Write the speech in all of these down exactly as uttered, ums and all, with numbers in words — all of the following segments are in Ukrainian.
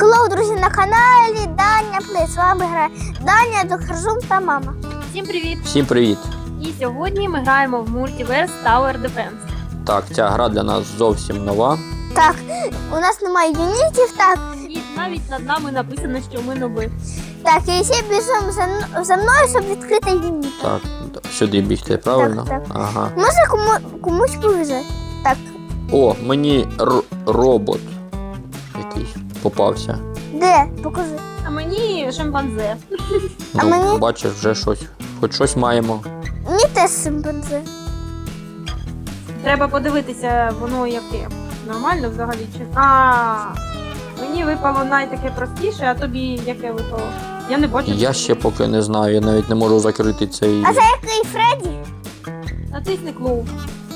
Хеллоу, друзі, на каналі Даня Плей. З вами грає Даня, доктор Зум та мама. Всім привіт! Всім привіт! І сьогодні ми граємо в Multiverse Tower Defense. Так, ця гра для нас зовсім нова. Так, у нас немає юнітів, так. І навіть над нами написано, що ми ноби. Так, і всі біжимо за, за мною, щоб відкрити юніт. Так, сюди бігти, правильно? Так, так. Ага. Може кому, комусь повезе. Так, О, мені р- робот якийсь попався. де? Покажи. А мені шимпанзе. А Ну, мені- бачиш, вже щось. Хоч щось маємо. Мені теж шимпанзе. Треба подивитися, воно яке. Нормально взагалі чи. А, мені випало найтаке простіше, а тобі яке випало? Я не бачу. Я ще поки не знаю, я навіть не можу закрити цей. А це який Фредді? Натисни клоу.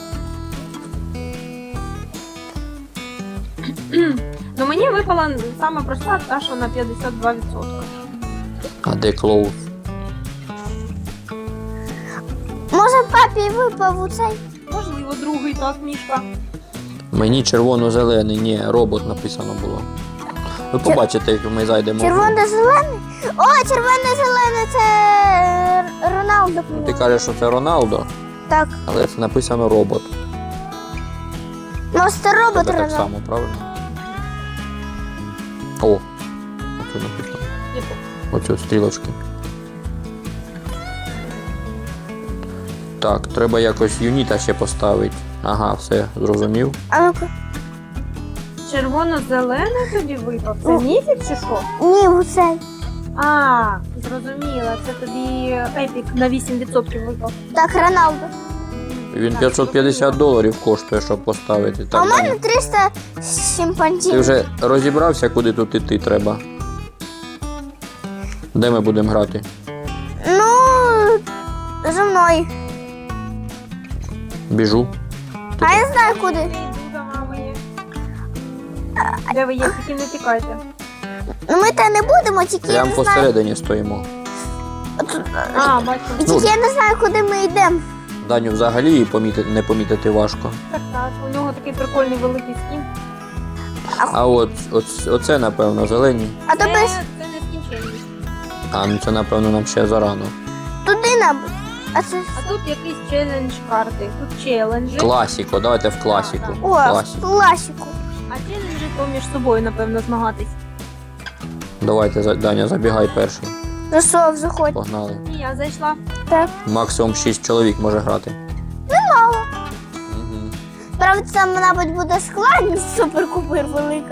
Ну мені випала саме проста, та що на п'ятдесят два відсотки. А де Клоус? Може папі випав у цей? Можливо, другий так, мішка. Мені червоно-зелений, ні, робот написано було. Ви побачите, як ми зайдемо. Червоно-зелений? О, червоно-зелений, це Р- Роналдо. Ти кажеш, що це Роналдо, Так, але це написано робот. може це робот Тебе так Роналдо. само, правильно? О, оце написано. Яку? Оцю стрілочки. Так, треба якось юніта ще поставити. Ага, все, зрозумів. А ну-ка. Червоно-зелений тобі випав? Це Ну. міфік чи що? Ні, у цей. А, зрозуміла, це тобі епік на вісім відсотків випав. Так, Роналдо. Він п'ятсот п'ятдесят доларів коштує, щоб поставити. А Так, у мене Даня, триста шимпанзів. ти вже розібрався, куди тут іти треба? Де ми будемо грати? Ну, за мною. Біжу. А я знаю куди. Йду за вами є. Де ви є, тільки не тікайте. Ну ми те не будемо, тільки я Прямо не знаю. посередині стоїмо. От- А, бачу. І тільки я не знаю, куди ми йдемо. Даню взагалі її помітити, не помітити важко. Так, так, у нього такий прикольний великий скін. А от, от оце, напевно, зелені. А то Це, без це не скінченність. А, ну це, напевно, нам ще зарано. туди нам. А це. А тут якийсь челендж карти. Тут челенджі. Класіко, давайте в класіку. О, Класіку. класіку. А челенджі то між собою, напевно, змагатись. Давайте, за- Даня, забігай перший. Зайшов, заходь. Погнали. І я зайшла. Так. Максимум шість чоловік може грати. Мало. Угу. Правда, там, мабуть, буде складність супер-купер велика.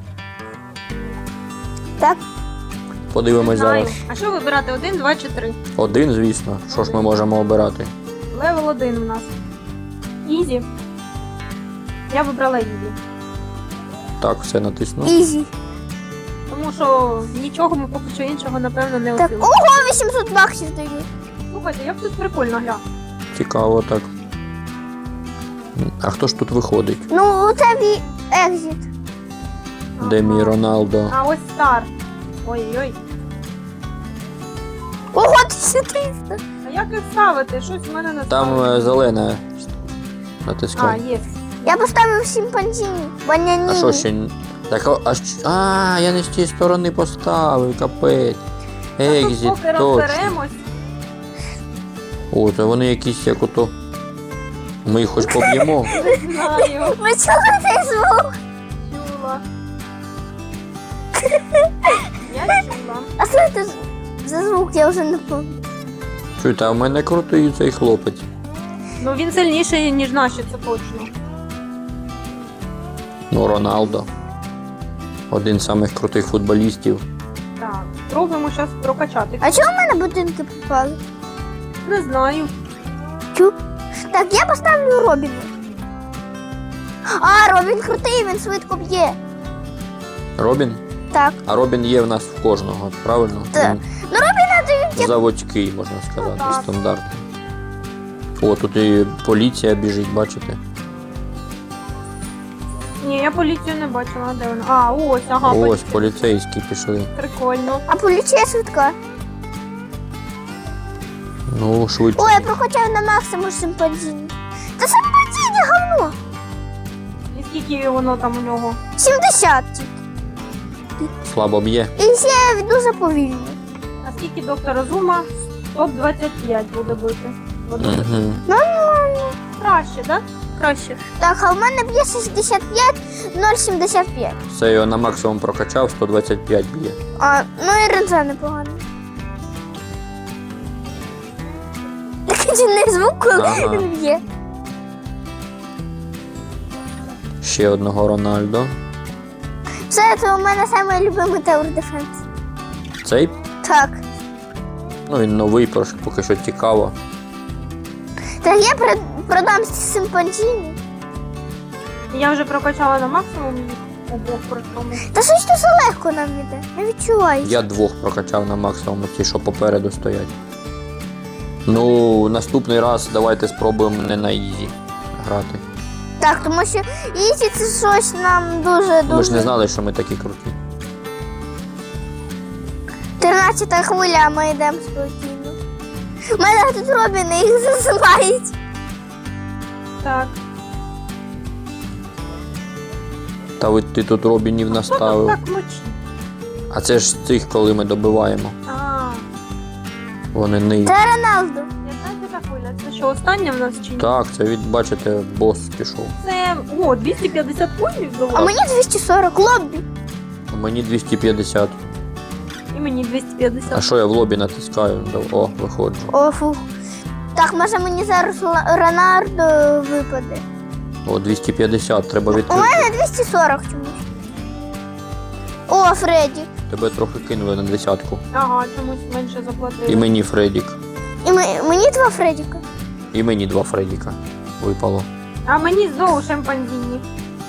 Так, Подивимось Знаю. зараз. А що вибирати? Один, два чи три? Один, звісно. Що ж ми можемо обирати? Левел один у нас. Ізі. Я вибрала Ізі. Так, все натиснув. ізі. Тому що нічого ми поки що іншого, напевно, не Так, осилимо. ого, вісімсот баксів дають. Слухайте, як тут прикольно, гля. Цікаво так. А хто ж тут виходить? Ну, це ві... екзіт. Де мій Роналдо? А ось стар. Ой-ой-ой. Ого, тисяча триста. А як їх ставити? Щось в мене не Там ставить. е, зелене. А, Натискай. є. Я поставив шимпанзіні. Баняні. А що ще? н- Так, а, а, щ- а, я не з тієї сторони поставив, капець. Тут Екзіт, поки точно. розберемось. О, то вони якісь як ото. Ми їх хоч поб'ємо. Не знаю. Ви чули цей звук? Чула. Я чула. А що це за звук, я вже не пам'ятаю. Чуєте, а в мене крутий цей хлопець. Ну він сильніший, ніж наші, це точно. Ну, Роналдо. Один з самих крутих футболістів. Так, спробуємо зараз прокачати. А чого в мене будинки попали? Не знаю. Чу? Так, я поставлю Робіна. А, Робін крутий, він швидко б'є. Робін? Так. А Робін є в нас в кожного, правильно? Так. Він Ну, Робіна дають. заводський, можна сказати, Ну, так. стандартний. О, тут і поліція біжить, бачите? Ні, я поліцію не бачила, де вона. А, ось, ага, Ось, поліція. поліцейські пішли. Прикольно. А поліція швидка. Ну, швидше. Ой, я прокачаю на максимум шимпанзіні. Та шимпанзіні говно. І скільки воно там у нього? сімдесят тільки. трошки. Слабо б'є. І ще дуже повільно. А скільки доктора Зума? сто двадцять п'ять буде бити. От Угу. Нормально. краще, так? Краще. Так, а в мене б'є шістдесят п'ять, нуль сімдесят п'ять. Все, його на максимум прокачав, сто двадцять п'ять б'є. А, ну і ренза непогано. Такий дивний звук, коли Ага. він б'є. Ще одного Рональдо. Все, це у мене найулюблений Tower Defense. Цей? Так. Ну він новий, трошки поки що цікаво. Так я пред- продам симпанчині. Я вже прокачала на максимум обох при тому. Та щось дуже легко нам іде. Не відчуваю. Я двох прокачав на максимум, ті, що попереду стоять. Ну, наступний раз давайте спробуємо не на ізі грати. Так, тому що Ізі це щось нам дуже Ми ж не дуже. знали, що ми такі круті. тринадцята хвиля, а ми йдемо спокійно. У мене тут Робіни їх засилають. Так. Та ви ти тут Робінів наставив. Так мочі. А це ж цих, коли ми добиваємо. А, Вони не. Це Роналду. яка це хвиля? Це що, остання в нас чи ні? Так, це від, бачите, бос пішов. Це, о, двісті п'ятдесят коїнів А було. мені двісті сорок. Лоббі. Мені двісті п'ятдесят. І мені двісті А п'ятдесят. що я в лобі натискаю? О, виходжу. О, фух. Так, може мені зараз Ла- Рональдо випаде. О, двісті п'ятдесят, треба У відкрити. мене двісті сорок чомусь. О, Фредді. Тебе трохи кинули на десятку. Ага, чомусь менше заплатили. І мені Фредік. І ми- мені два Фреддіка. І мені два Фредіка випало. А мені знову шимпанзіні.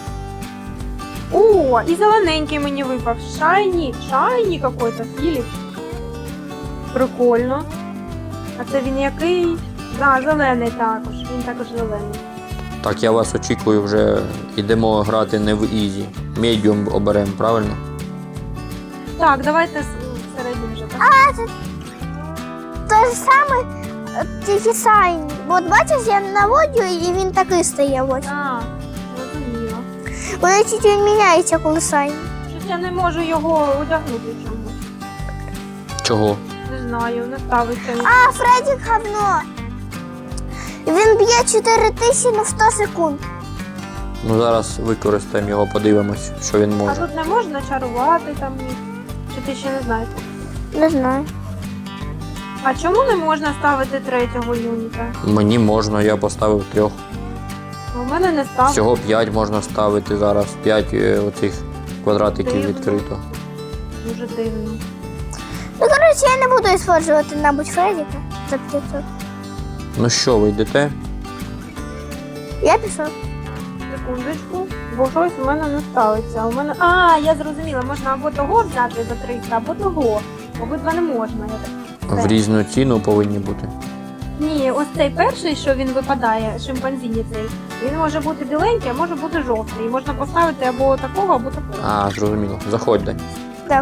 О, і зелененький мені випав. Шайні. Шайні какой-то, Філіп. Прикольно. А це він який? Да, зелений також. Він також зелений. Так, я вас очікую вже. Йдемо грати не в ізі. Медіум оберемо, правильно? Так, давайте с- середнім вже. Так? А, це те ж саме, е, тільки сайні. От бачиш, я наводю і він такий стає. Ось. А, зрозуміло. Вони чуть він міняється, коли сайні. Щось я не можу його одягнути чомусь. Чого? Не знаю, не ставиться. він. А, Фреддік говно. Він б'є чотири тисячі на сто секунд. Ну зараз використаємо його, подивимось, що він А може. тут не можна чарувати там ні. Чи ти ще не знаєш? Не знаю. А чому не можна ставити третього юніта? Мені можна, я поставив трьох. У мене не став. Всього п'ять можна ставити зараз. П'ять е, оцих квадратиків Дивно. відкрито. Дуже дивно. Ну, коротше, я не буду использувати, мабуть, Фреддіка за п'ятсот. Ну що, ви йдете? Я пішов. Секундочку, бо щось у мене не ставиться. У мене. А, я зрозуміла, можна або того взяти за триста, або того. Обидва не можна. Я так. В різну ціну повинні бути. Ні, ось цей перший, що він випадає, шимпанзіні цей, він може бути біленький, а може бути жовтий. І можна поставити або такого, або такого. А, зрозуміло. Заходьте. Так.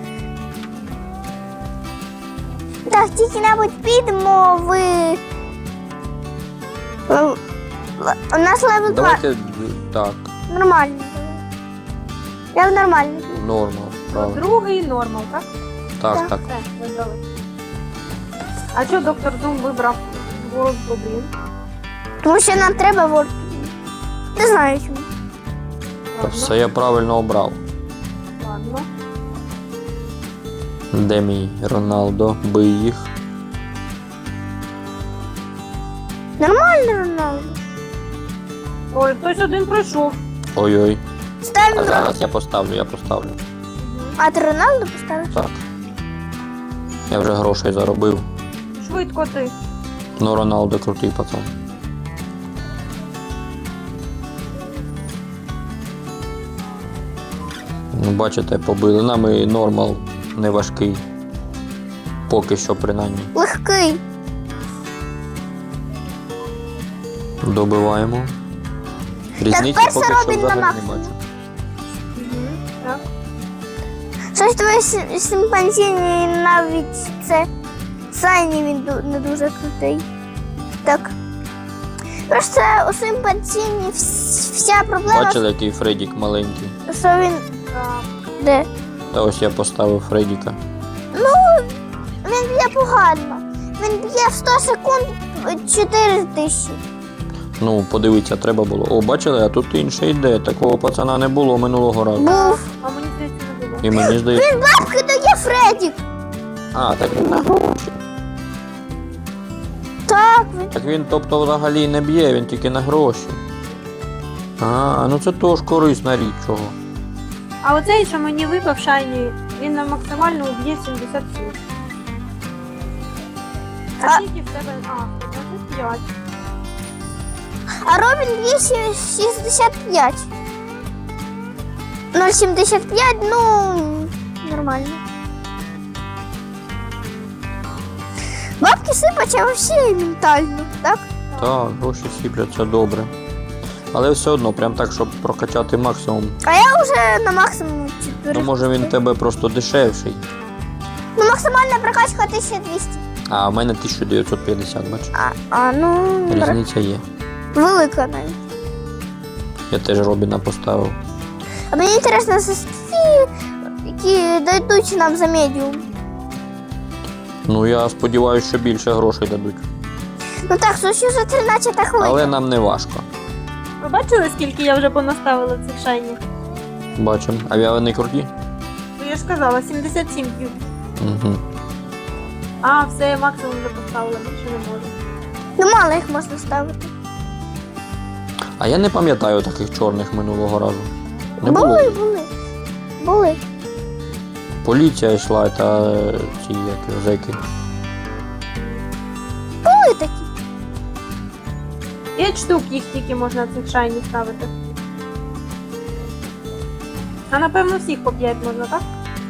Так, тільки, мабуть, підемо в... в- У нас левел два. Давайте так, Нормально. Я в нормально. нормал. Правильно. Другий нормал, так? Так, Так. так. Все, видали. А що доктор Зум вибрав World один? Тому що нам треба вот. Не знаю чому. Та все я правильно обрав. Ладно. Де мій Роналдо? Бий їх. Нормально, Роналду. Ой, хтось один пройшов. Ой-ой. А Ставимо. зараз я поставлю, я поставлю. А ти Роналду поставиш? Так. Я вже грошей заробив. Швидко ти. Ну, Роналдо крутий пацан. Ну, бачите, побили. Нами нормал не важкий. Поки що, принаймні. Легкий. Добиваємо. Різниці перше поки що робить на взагалі не максимум. бачу. Угу. Так. Щось твоє сим- симпанзіні навіть це Сайні він ду- не дуже крутий. Так. Просто у симпанзіні вс- вся проблема, Бачили, який Фредік маленький. що він Так. де? Та ось я поставив Фредіка. Він б'є погано. Він б'є в сто секунд чотири тисячі. Ну, подивитися, треба було. О, бачили, а тут інше йде. Такого пацана не було минулого разу. Був. А мені здається, не було. І мені здається. Він бабки дає Фредік. А, так він на гроші. Так, він. Так він, тобто, взагалі не б'є, він тільки на гроші. А, ну це теж корисна річ чого. А оцей, що мені випав шайні, він на максимально уб'є сімдесят сім. А А- скільки в тебе? А, двадцять п'ять. А Робін б'є сі- шістдесят п'ять. нуль сімдесят п'ять, ну, нормально. Бабки сипаться всі ментально, так? Так, гроші сіпляться добре. Але все одно, прям так, щоб прокачати максимум. А я вже на максимум чотири. Ну, може він в тебе просто дешевший. Ну, максимальна прокачка тисяча двісті. А в мене тисяча дев'ятсот п'ятдесят, бачиш? А, а ну, Різниця є. велика навіть. Я теж Робіна поставив. А мені інтересно, за ті, які дойдуть нам за медіум. Ну, я сподіваюся, що більше грошей дадуть. Ну так, що за тринадцята хвилина. Але нам не важко. Ви бачили, скільки я вже понаставила цих шайнів? Бачимо. А вони круті? Ну я ж казала, сімдесят сім п'ю. Угу. А, все, я максимум вже поставила, більше не можу. Ну, мало їх можна ставити. А я не пам'ятаю таких чорних минулого разу. Не було. Були, були. Були. Поліція йшла та е, ці як зеки. Були такі. П'ять штук їх тільки можна цих шайнів ставити. А напевно всіх по п'ять можна, так?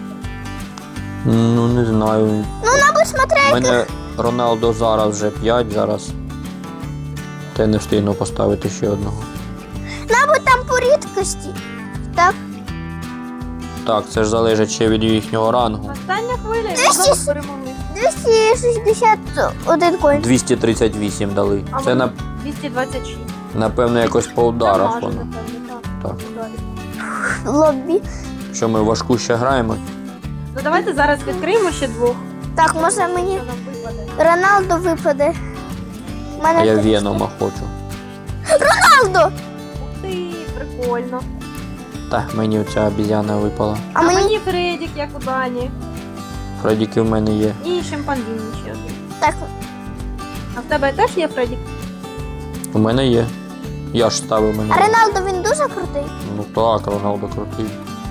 Ну, не знаю. Ну, мабуть, смотря У мене Роналдо зараз вже п'ять, зараз. Та я не встигну поставити ще одного. мабуть, там по рідкості. Так? Так, це ж залежить ще від їхнього рангу. Остання хвиля і Двісті знову перемогли. двісті шістдесят один коін. двісті тридцять вісім дали. А Це воно на, двісті двадцять шість. напевно якось по ударах Дамажу, воно. напевно, так. Так. Ударів. Лоббі. Що ми важку ще граємо? Ну давайте зараз відкриємо ще двох. Так, може мені Що нам випаде? Роналдо випаде. У А мене я тут- Венома хочу. Роналдо! Ух ти, прикольно. Так, мені оця обізяна випала. А А мені мені Фредік, як у Дані. Фредіки в мене є. І шимпанзін ще один. так. А в тебе теж є Фредік? У мене є. Я ж ставив мене. А Роналдо він дуже крутий. Ну так, Роналдо крутий.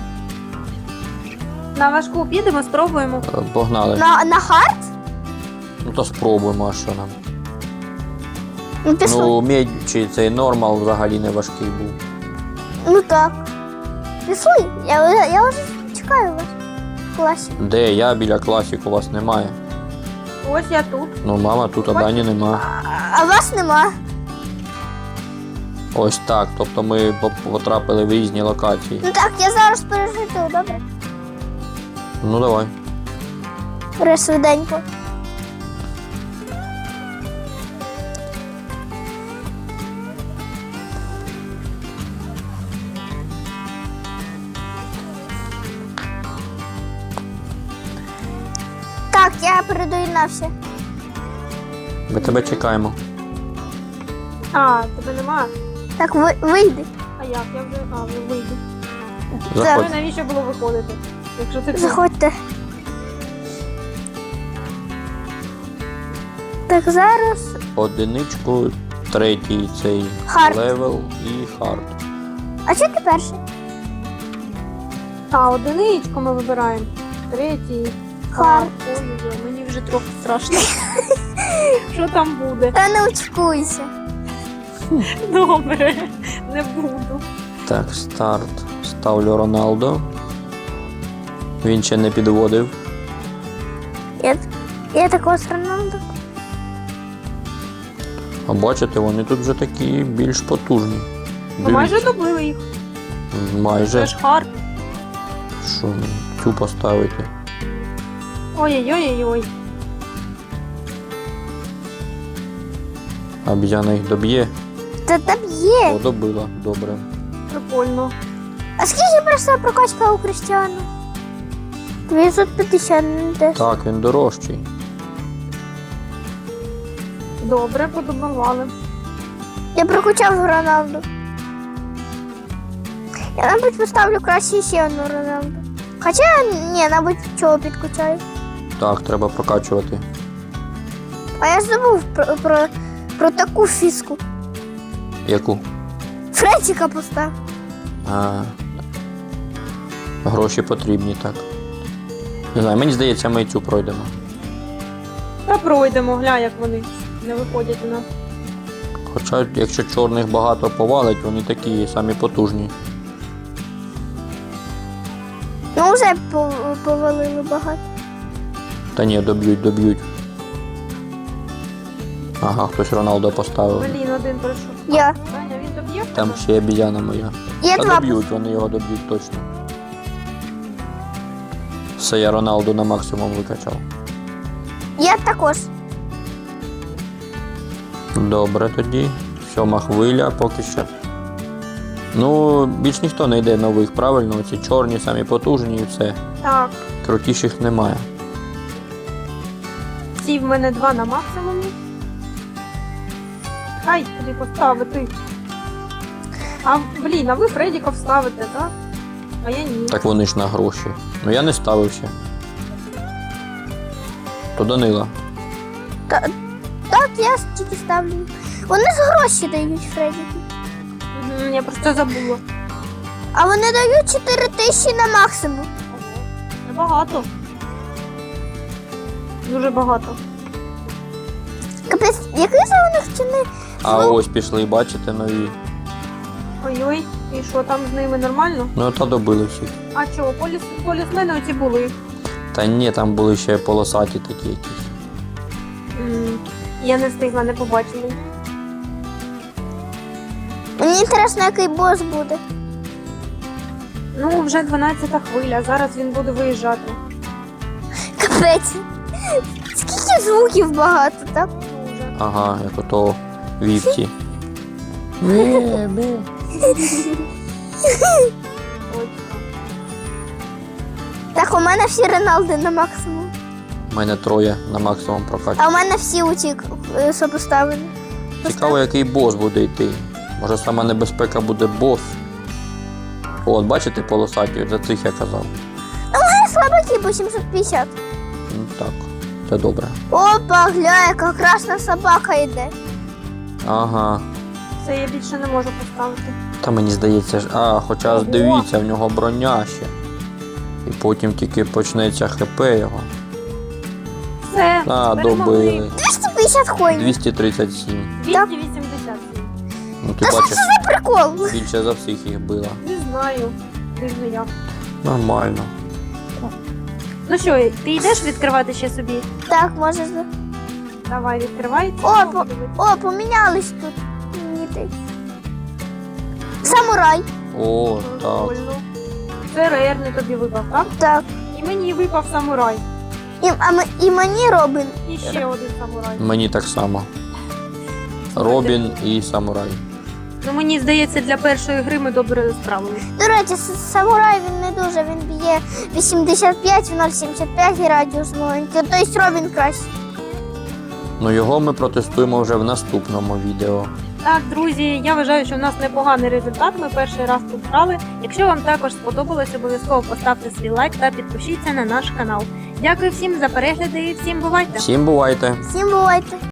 На важку підемо, спробуємо. Е, Погнали. На, на хард? Ну то спробуємо, а що нам. Ну, пішли. Ну, Ну, медь чи цей нормал взагалі не важкий був. ну так. Пішли. Я, вже- я вже чекаю вас в класі. Де я біля класіку, у вас немає. Ось я тут. Ну, мама, тут а Дані нема. А, а вас нема. Ось так. Тобто ми поп- потрапили в різні локації. Ну так, я зараз пережиту, добре? Ну давай. Бери швиденько. Так, я передоєднався. Ми тебе чекаємо. А, тебе нема. Так, ви, вийди. А як? Я вже. А, вже вийду. Заходь. Ну, навіщо було виходити? Якщо ти Заходьте. Так, зараз. Одиничку, третій цей Хард. левел і хард. А що ти перший? А, одиничку ми вибираємо. Третій. Хард. Ой-ой-ой, мені вже трохи страшно. Що там буде? Та не очкуйся. Добре, не буду. Так, старт. Ставлю Роналдо. Він ще не підводив. Я, я такого з Роналдо. А бачите, вони тут вже такі більш потужні. Ми майже добили їх. Це Майже. ж хард. Що цю поставити? Ой-ой-ой-ой. Обізяна їх доб'є. Та там є. О, добила. Добре. Прикольно. А скільки пройшла прокачка у Крістіану? дев'ятсот п'ятдесят, не десять. Так, він дорожчий. Добре, подобували. Я прокачав Роналду. Я, мабуть, поставлю краще ще одну Роналду. Хоча, ні, мабуть, чого підкачаю. Так, треба прокачувати. А я забув про, про, про таку фіску. Яку? Фредчика постав. А, гроші потрібні, так. Не знаю, мені здається, ми і цю пройдемо. Та пройдемо, гля, як вони не виходять у нас. Хоча, якщо чорних багато повалить, вони такі самі потужні. Ну, вже по- повалили багато. Та ні, доб'ють, доб'ють. Ага, хтось Роналдо поставив. Блін, один пройшов. Я. Даня, він доб'є? Там ще обізяна моя. Є Та два. доб'ють, вони його доб'ють точно. Все, я Роналду на максимум викачав. Я також. Добре тоді. Сьома хвиля поки що. Ну, більш ніхто не йде нових, правильно? Оці чорні, самі потужні і все. Так. Крутіших немає. Ці в мене два на максимумі. Хай туди поставити. А, блін, а ви Фредіка ставите, так? А я ні. Так вони ж на гроші. Ну я не ставив ще. То Данила. Так, я тільки ставлю. Вони з гроші дають Фредіки. Мгм, я просто забула. А вони дають чотири тисячі на максимум. Небагато. Дуже багато. Капець, який же у них ціни? А ось пішли, бачите, нові. Ой-ой, і що там з ними нормально? Ну та добили всіх. А чого, поліс, полісмени оці були. Та ні, там були ще полосаті такі якісь. М, Я не встигла, не побачила. Мені інтересно, який бос буде. Ну, вже дванадцята хвиля, зараз він буде виїжджати. Капець. Скільки звуків багато, так? Дуже. Ага, як ото вівці. Точно. Так, у мене всі Роналди на максимум. У мене троє на максимум прокачу. А у мене всі оці, е, що поставлені. Цікаво, який бос буде йти. Може сама небезпека буде бос. От, бачите, полосаті, за цих я казав. А слабаки по сімсот п'ятдесят. Ну так, це добре. Опа, гля, яка красна собака йде. Ага. Це я більше не можу поставити. Та мені здається ж. А, хоча ж Ого. дивіться, в нього броня ще. І потім тільки почнеться хп його. Все, А, перемогли. добили. двісті п'ятдесят коїнів. двісті тридцять сім. двісті вісімдесят. Ну ти Та що бачиш, це за прикол? більше за всіх їх била. Не знаю. Дивно як. Нормально. Ну що, ти йдеш відкривати ще собі? Так, може. за- Давай, відкривай. О, по- О, помінялись тут. Ні, ти. Самурай. О, так. Прикольно. Це рерний тобі випав, так? Так. І мені випав самурай. І, а ми, і мені Робин. І ще один самурай. Мені так само. Робін і самурай. Ну мені здається, для першої гри ми добре справилися. До речі, с- самурай він не дуже, він б'є вісімдесят п'ять, в нуль сімдесят п'ять і радіус маленький. Тобто Робін краще. Ну його ми протестуємо вже в наступному відео. Так, друзі, я вважаю, що в нас непоганий результат. Ми перший раз тут грали. Якщо вам також сподобалось, обов'язково поставте свій лайк та підпишіться на наш канал. Дякую всім за перегляди і всім бувайте! Всім бувайте! Всім бувайте.